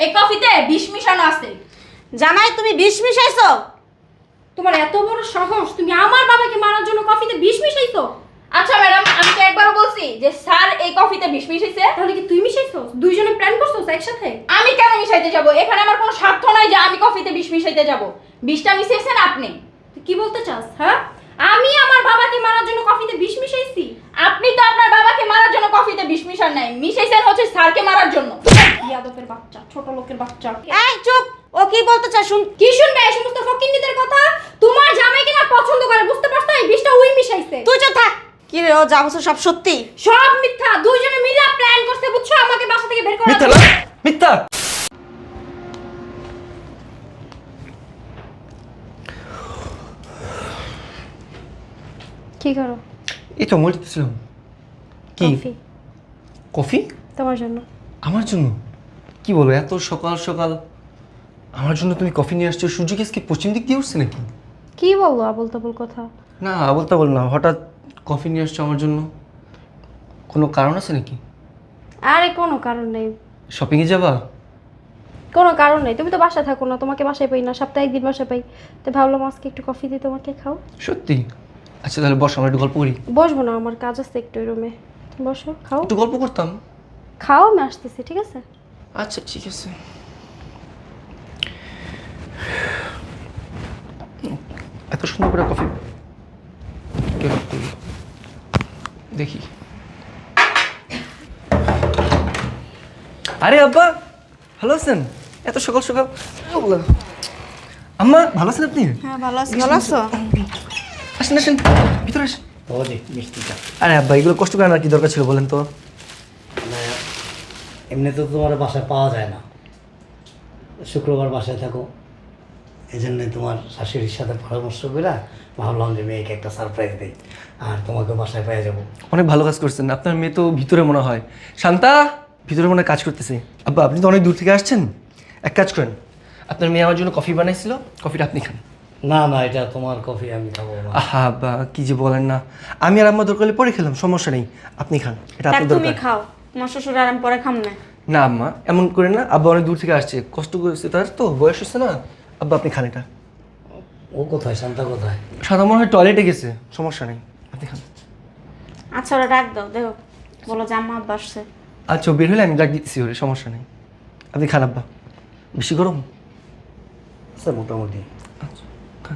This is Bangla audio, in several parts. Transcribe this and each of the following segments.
এই কফিতে বিষ মিশানো আছে। জামাই তুমি বিষ মিশাইছো? তোমার এত বড় সাহস, তুমি আমার বাবাকে মারার জন্য কফিতে বিষ মিশাইছো? আচ্ছা ম্যাডাম, আমি তো একবারও বলছি যে স্যার এই কফিতে বিষ মিশাইছে। তাহলে কি তুই মিশাইছো? দুইজনে প্ল্যান করছো একসাথে? আমি কেন মিশাইতে যাব? এখানে আমার কোনো স্বার্থ নাই যে আমি কফিতে বিষ মিশাইতে যাব। বিষটা মিশিয়েছেন আপনি। তুই কি বলতে চাস? হ্যাঁ, আমি আমার বাবাকে মারার জন্য কফিতে বিষ মিশাইছি? আপনি তো আপনার বাবাকে মারার জন্য কফিতে বিষ মিশান নাই, মিশাইছেন হচ্ছে স্যারকে মারার জন্য। ইয়াদবের বাচ্চা, ছোট লোকের বাচ্চা। এই চুপ, ও কি বলতে চায় শুন। কি শুনবে এই সমস্ত ফকিন্নিদের কথা? তোমার জামাই কিনা পছন্দ করে, বুঝতে পারছো? এই বিষটা ওই মিশাইছে। তুই চুপ থাক। কি রে, ও যা বলছে সব সত্যি? সব মিথ্যা। দুইজনে মিলে প্ল্যান করছে, বুঝছো, আমাকে বাসা থেকে বের করার মিথ্যা জন্য। না, মিথ্যা। কি করো? এই তো বলতেছিলাম। কি কফি কফি? তোমার জন্য। আমার জন্য? কি বলো, এত সকাল সকাল আমার জন্য তুমি কফি নিয়ে আসছো? সূর্য কি পশ্চিম দিক দিয়ে উঠছে নাকি? কি বললো আবল তাবল কথা? না বলতে বল না, হঠাৎ কফি নিয়ে আসছো আমার জন্য, কোনো কারণ আছে নাকি? আরে কোনো কারণ নেই, শপিংয়ে যাবা? কোনো কারণ নেই। তুমি তো বাসায় থাকো না, তোমাকে বাসায় পাই না, সপ্তাহে একদিন বাসায় পাই। তো ভাবলাম আজকে একটু কফি দিয়ে তোমাকে খাও। সত্যি? আচ্ছা তাহলে বসো, আমরা একটু গল্প করি। বসবো না, আমার কাজ আছে একটু রুমে। বসো, খাও। একটু গল্প করতাম। খাও, আমি আসতেছি, ঠিক আছে? আচ্ছা ঠিক আছে। এত সুন্দর করে কফি কে করলো? দেখি। আরে আব্বা, ভালো আছেন? এত সকাল সকাল। আম্মা ভালো আছেন আপনি? হ্যাঁ ভালো আছি। ভালো আছো? আসেন আসেন, ভিতরে আসেন। ও জি মিষ্টিটা। আরে আব্বা, এগুলো কষ্ট করে আনার কি দরকার ছিল বলেন তো? মানে এমনি তো তোমার বাসায় পাওয়া যায় না, শুক্রবার বাসায় থাকো, এই জন্যে তোমার শাশুড়ির সাথে পরামর্শ করে ভাবলাম যে মেয়েকে একটা সারপ্রাইজ দিই আর তোমাকে বাসায় পেয়ে যাবো। অনেক ভালো কাজ করছেন। আপনার মেয়ে তো ভিতরে মনে হয়, শান্তা ভিতরে মনে হয় কাজ করতেছে। আব্বা আপনি তো অনেক দূর থেকে আসছেন, এক কাজ করেন, আপনার মেয়ে আমার জন্য কফি বানাইছিল, কফিটা আপনি খান। না না, এটা তোমার কফি, আমি খাবো না। আহা আব্বা কি যে বলেন না, আমি আর আম্মা দরকার হলে পরে খেলাম, সমস্যা নেই, আপনি খান, এটা দেখ আপনার তুমি দরকার। খাও, তোমার শ্বশুর আর আমি পরে খাম না। না আম্মা এমন করে না, আব্বা অনেক দূর থেকে আসছে, কষ্ট করেছে, তার তো বয়স হচ্ছে না। আব্বা আপনি খান এটা। ও কোথায়, শান্তা কোথায়? সাদা মনে হয় টয়লেটে গেছে, সমস্যা নেই, আপনি খান। আচ্ছা ওরা ডাক দাও, দেখো বলো যে আম্মা আব্বা আসছে। আচ্ছা ও বের হলে আমি ডাক দিচ্ছি ওরে, সমস্যা নেই, আপনি খান আব্বা। বেশি গরম? আচ্ছা মোটামুটি। আচ্ছা খান।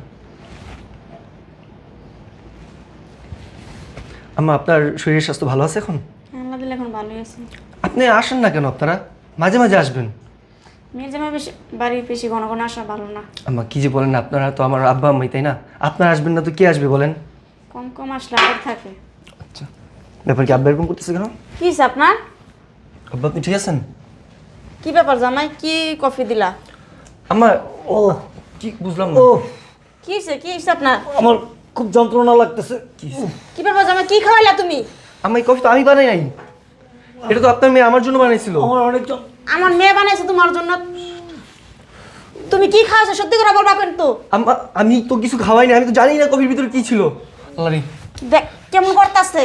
আম্মা আপনার শরীরের স্বাস্থ্য ভালো আছে এখন? আল্লাহ দিলে এখন ভালোই আছে। আপনি আসেন না কেন? আপনারা মাঝে মাঝে আসবেন। মেয়ের জামাই বেশি বাড়ি বেশি ঘন ঘন আসা ভালো না। আম্মা কি যে বলেন, আপনারা তো আমার আব্বা আম্মাই তাই না? আপনারা আসবেন না তো কে আসবে বলেন? কম কম আসলে আবার থাকে। আচ্ছা ব্যাপার কি, আব্বা এরকম করতেছে কেন? কি হইছে আপনার? আব্বা আপনি ঠিক আছেন? কি ব্যাপার জামাই, কি কফি দিলা? আম্মা ও কি বুঝলাম না। ও কি হইছে, কি হইছে আপনার? আমার খুব যন্ত্রণা লাগতেছে। কি ব্যাপার জামাই, কি খাওয়াইলা তুমি? আম্মা এই কফি তো আমি বানাই নাই, এটা তো আপনার মেয়ে আমার জন্য বানাইছিল। আমার অনেক আমার মেয়ে বানাইছে তোমার জন্য। তুমি কি খাওয়াছো সত্যি করে বলবা কিন্তু। আম্মা আমি তো কিছু খাওয়াইনি, আমি তো জানি না কফির ভিতরে কি ছিল। আল্লাহ রে। দেখ কেমন করতেছে।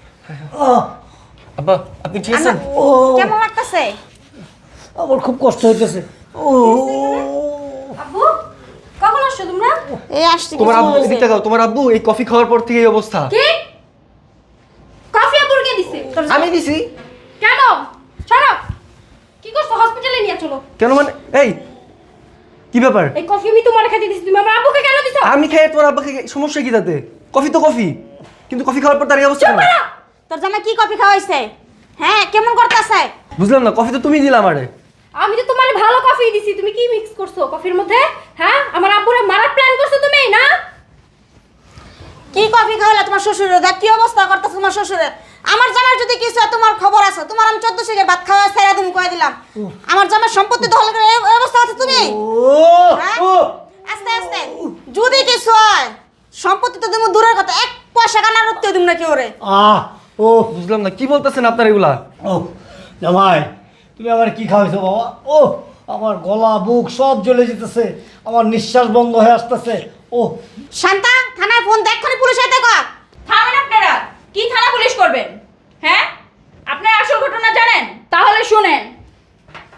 আব্বা আপনি ঠিক আছেন? ও কেমন লাগতেছে? আমার খুব কষ্ট হইতেছে। ও আব্বু, কখন আসছো তোমরা? এই আসছে তোমার কিছু আব্বু হইছে। এদিকে তাকাও, তোমার আব্বু এই কফি খাওয়ার পর থেকে এই অবস্থা। কি? কফি আব্বুর কে দিছে? আমি দিছি। কেন? ছাড়ো। কি করছো? হসপিটালে নিয়ে চলো। কেন মানে? এই কি ব্যাপার? এই কফি আমি তোমার খেতে দিছি, তুমি আমার আব্বুকে কেন দিছো? আমি খাই তোমার আব্বাকে, সমস্যা কি তাতে? কফি তো কফি, কিন্তু কফি খাওয়ার পর তার এই অবস্থা কেন? তোর জামাই কি কফি খাওয়াইছে? হ্যাঁ কেমন করতেছে? বুঝলাম না, কফি তো তুমি দিলা আমারে। আমি তো তোমার ভালো কফি দিছি, তুমি কি মিক্স করছো কফির মধ্যে? হ্যাঁ, আমার আব্বুরে মারার প্ল্যান করছো তুমি না? কি কফি খাওয়াইলা তোমার শ্বশুরে? দেখ কি অবস্থা করতেছে তোমার শ্বশুরে। আমার জামাই যদি কিছু হয় তোমার খবর আছে, তোমার আমি 14 থেকে ভাত খাওয়া ছেড়ে তুমি কই দিলাম। আমার জামাই সম্পত্তি দখল করে এই অবস্থা আছে তুমি। হ্যাঁ? আস্তে আস্তে যদি কিছু হয় সম্পত্তি তো তুমি দূরের কথা, এক পয়সা কানার উঠতে দিম না কি ওরে। ও বুঝলাম না কি বলতেছেন আপনার এগুলা। ও জামাই, তুমি আমার কি খাওয়াইছো বাবা? ও আমার গলা বুক সব জ্বলে যেতেছে, আমার নিঃশ্বাস বন্ধ হয়ে আসতেছে। ও শান্তা থানায় ফোন দেখ, এক্ষুনি পুলিশ আইতে কর। থামেন আপনারা, কি থানা পুলিশ করবেন? হ্যাঁ, আপনার আসল ঘটনা জানেন? তাহলে শুনেন।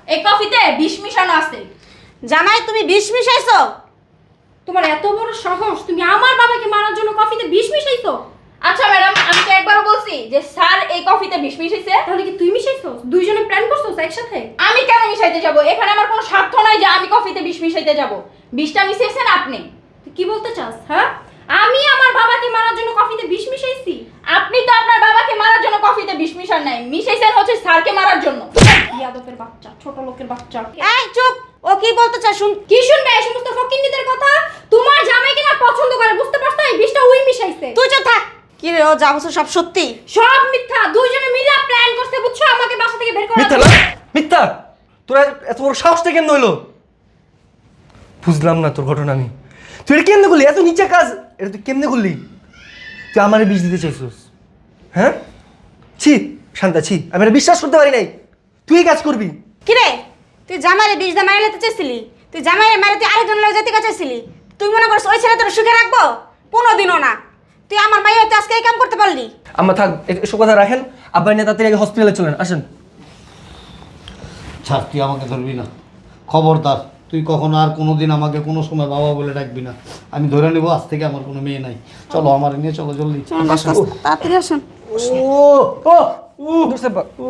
এই কফিতে বিষ মিশানো আছে। জামাই তুমি বিষ মিশাইছো? তোমার এত বড় সাহস, তুমি আমার বাবাকে মারার জন্য কফিতে বিষ মিশাইছো? আচ্ছা ম্যাডাম, আমি তো একবারও বলছি যে স্যার এই কফিতে বিষ মিশাইছে। তাহলে কি তুই মিশাইছো? দুইজনে প্ল্যান করছো একসাথে? আমি কেন মিশাইতে যাব? এখানে আমার কোনো স্বার্থ নাই যে আমি কফিতে বিষ মিশাইতে যাব। বিষটা মিশিয়েছেন আপনি। তুই কি বলতে চাস? হ্যাঁ, আমি আমার বাবাকে মারার জন্য কফিতে বিষ মিশাইছি? আপনি তো আপনার বাবাকে মারার জন্য কফিতে বিষ মিশান নাই, মিশাইছেন হচ্ছে স্যারকে মারার জন্য। ইয়াদবের বাচ্চা, ছোট লোকের বাচ্চা। এই চুপ, ও কি বলতে চায় শুন। কি শুনবে এই সমস্ত ফকিন্নিদের কথা? তোমার জামাই কিনা পছন্দ করে, বুঝতে পারছো? এই বিষটা ওই মিশাইছে। তুই চুপ থাক। কি রে, ও যা বলছো সব সত্যি? সব মিথ্যা। দুইজনে মিলে প্ল্যান করতে, বুঝছো, আমাকে বাসা থেকে বের করার মিথ্যা জন্য। না? মিথ্যা? তোরা এত বড় সাহসটা কেন হইলো? বুঝলাম না তোর ঘটনা আমি। তুই এটা কেমনে করলি? এত নিচে কাজ এটা তুই কেমনে করলি? তুই আমারে বিষ দিতে চাইছিস? হ্যাঁ, ছি শান্তা, ছি, আমি এটা বিশ্বাস করতে পারি নাই তুই এই কাজ করবি। কি রে, তুই জামাইরে বিষ দিয়ে মাইরে লেতে চাইছিলি? তুই জামাইরে মাইরে তুই আরেকজন লোক যেতে চাইছিলি? তুই মনে করছিস ওই ছেলে তোর সুখে রাখবো? কোনোদিনও না। তুই আমার মাইয়া তুই আজকে এই কাম করতে পারলি? আম্মা থাক, এসব কথা রাখেন। আব্বা নিয়ে তাড়াতাড়ি আগে হসপিটালে চলেন, আসেন। ছাড়, তুই আমাকে ধরবি না, খবরদার। তুই কখনো আর কোনোদিন আমাকে কোনো সময় বাবা বলে ডাকবি না। আমি ধরে নেবো আজ থেকে আমার কোনো মেয়ে নাই। চলো আমার নিয়ে চলো জলদি। তাড়াতাড়ি আসুন। ও ও দোস্ত আব্বা, ও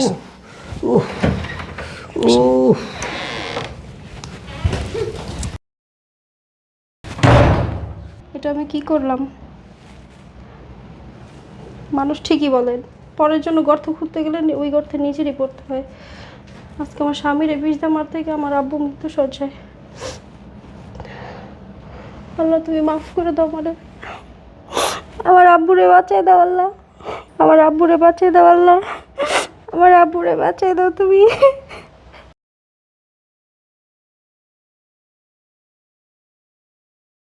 ও এটা আমি কি করলাম? মানুষ ঠিকই বলেন, পরের জন্য গর্ত খুঁড়তে গেলে ওই গর্তে নিজেরই পড়তে হয়। আজকে আমার স্বামীর বিষ দিয়ে মারতে গিয়ে আমার আব্বু মৃত্যু সজ্জায়। আল্লাহ তুমি মাফ করে দাও আমারে। আমার আব্বুরে বাঁচিয়ে দাও আল্লাহ। আমার আব্বুরে বাঁচিয়ে দাও আল্লাহ। আমার আব্বুরে বাঁচিয়ে দাও তুমি।